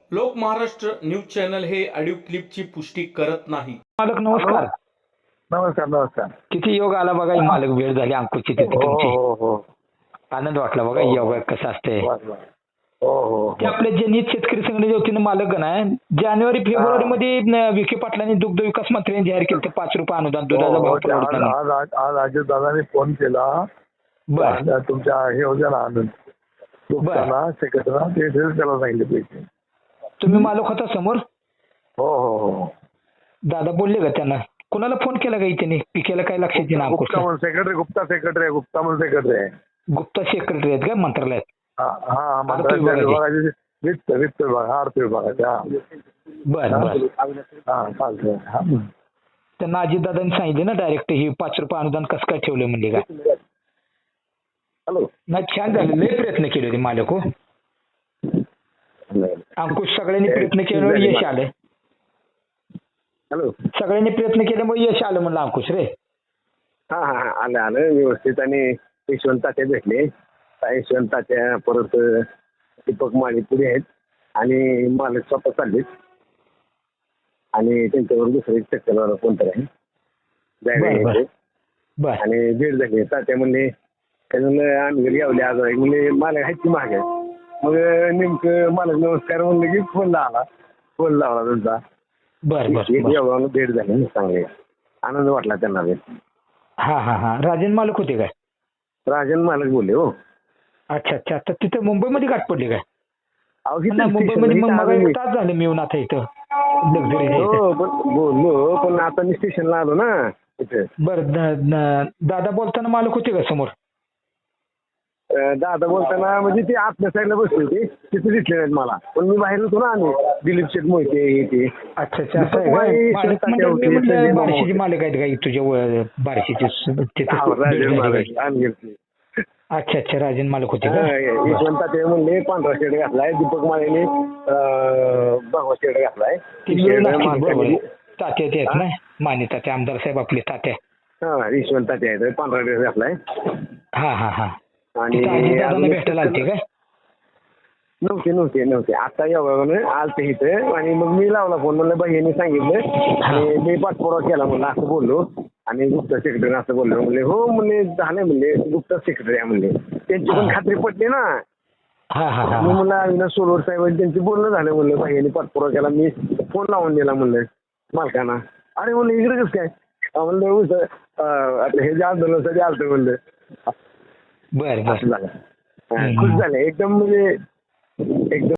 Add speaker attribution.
Speaker 1: लोक Maharashtra news channel हे audio क्लिपची पुष्टी करत नाही.
Speaker 2: मालक नमस्कार.
Speaker 3: नमस्कार नमस्कार.
Speaker 2: किती योग आला बघा ही मालक वेळ झाली अंकुशची तिथे
Speaker 3: हो
Speaker 2: तुमची.
Speaker 3: हो हो
Speaker 2: आनंद वाटला बघा योग कसं असते.
Speaker 3: बर, बर. हो हो
Speaker 2: ते आपले जनहित शेतकरी संघटनेचे वतीनं मालक गण आहे. जानेवारी फेब्रुवारी मध्ये विखे पाटलांनी दुग्ध विकास मंत्र्यांनी जाहीर केलं ₹5 अनुदान दुधाचा भाव परवडताना.
Speaker 3: आज अजितदादांनी फोन केला.
Speaker 2: बर
Speaker 3: तुमच्या हे होत्या ना आनंद दुखताना सेक्रेटरीला ते त्याला सांगितले पैसे.
Speaker 2: तुम्ही मालक होता समोर.
Speaker 3: हो हो हो
Speaker 2: दादा बोलले का त्यांना. कुणाला फोन केला का त्यांनी पिकेला काय लक्षात येईना अंकुश.
Speaker 3: गुप्ता सेक्रेटरी आहे.
Speaker 2: गुप्ता सेक्रेटरी आहेत का मंत्रालयात.
Speaker 3: हा मंत्रालय वित्त विभाग अर्थ विभागाच्या.
Speaker 2: बर बर
Speaker 3: हा चालतंय. हा.
Speaker 2: त्यांना अजितदादांनी सांगितले ना डायरेक्ट ही ₹5 अनुदान कसं काय ठेवलं म्हणजे काय.
Speaker 3: हॅलो.
Speaker 2: नाही छान झालं. लय प्रयत्न केले होते मालक हो. अंकुश सगळ्यांनी प्रयत्न केल्यामुळे यश आलं.
Speaker 3: हॅलो.
Speaker 2: सगळ्यांनी प्रयत्न केल्यामुळे यश आलं म्हणलं अंकुश रे.
Speaker 3: हा हा हा आलं व्यवस्थित. आणि यशवंत तात्या भेटले. यशवंत तात्या परत दीपक माळी पुढे आहेत आणि मालक स्वतः चाललेत आणि त्यांच्यावर दुसरं एक चक्करवाला कोणतरी आहे जायला.
Speaker 2: बर
Speaker 3: आणि भेट झाली. तात्या म्हणले त्याच्यानं आम्ही घरी यावले आज म्हणजे मालक आहेत की मागे. मग नेमकं मालक नमस्कार म्हणलं की फोन लावला तुमचा.
Speaker 2: बर बर
Speaker 3: एवढा भेट झाली चांगले. आनंद वाटला त्यांना.
Speaker 2: हा हा हा राजन मालक होते काय.
Speaker 3: राजन मालक बोलले हो.
Speaker 2: अच्छा अच्छा. आता तिथं मुंबईमध्ये गाठ पडली काय.
Speaker 3: अहो, किती
Speaker 2: मुंबईमध्ये मग
Speaker 3: स्टेशन
Speaker 2: मला
Speaker 3: आहे.
Speaker 2: एक तास झाले मी येऊन आता इथं लक्झरी.
Speaker 3: हो पण बोललो पण आता मी स्टेशनला आलो ना इथे.
Speaker 2: बर दादा बोलताना मालक होते का समोर.
Speaker 3: दादा बोलताना म्हणजे ते आतल्या साईडला बसले होते. तिथे दिसले नाहीत मला. पण मी बाहेर होतो ना. आम्ही दिलीप शेठ मोहिते हे ते.
Speaker 2: अच्छा अच्छा असं आहे काय. मालक म्हणजे मी म्हणलं बार्शीचे मालक आहेत का तुझ्या बार्शीचे तिथे. अच्छा अच्छा राजन मालक होते का.
Speaker 3: यशवंत ते म्हणले पांढरा शर्ट घातलाय. दीपक माळेने भगवा शर्ट घातलाय.
Speaker 2: तात्या ते आहेत ना माने तात्या आमदार साहेब आपले तात्या.
Speaker 3: हा यशवंत तात्या आहेत. पांढरा ड्रेस घातलाय.
Speaker 2: हा हा हा.
Speaker 3: आणि
Speaker 2: भेटायला आलते काय.
Speaker 3: नव्हते आता एवढं आलते इथं. आणि मग मी लावला फोन. म्हणलं बहिणी सांगितलं आणि मी पाठपुरावा केला म्हणलं असं बोललो. आणि गुप्ता सेक्रेटरी असं बोललो. म्हणले हो म्हणले झाले म्हणले गुप्ता सेक्रेटरी आहे म्हणले. त्यांची पण खात्री पटली ना. मी म्हणलं अविनाश सोलवर साहेब त्यांची बोलणं झालं म्हणलं. बहिणी पाठपुरावा केला. मी फोन लावून दिला म्हणलं मालकांना. अरे म्हणलं इकडे कसं काय म्हणलं आता हे जे आंदोलनासाठी आलतं म्हणलं.
Speaker 2: बर बर
Speaker 3: असं झालं. खुश झाले एकदम म्हणजे एकदम.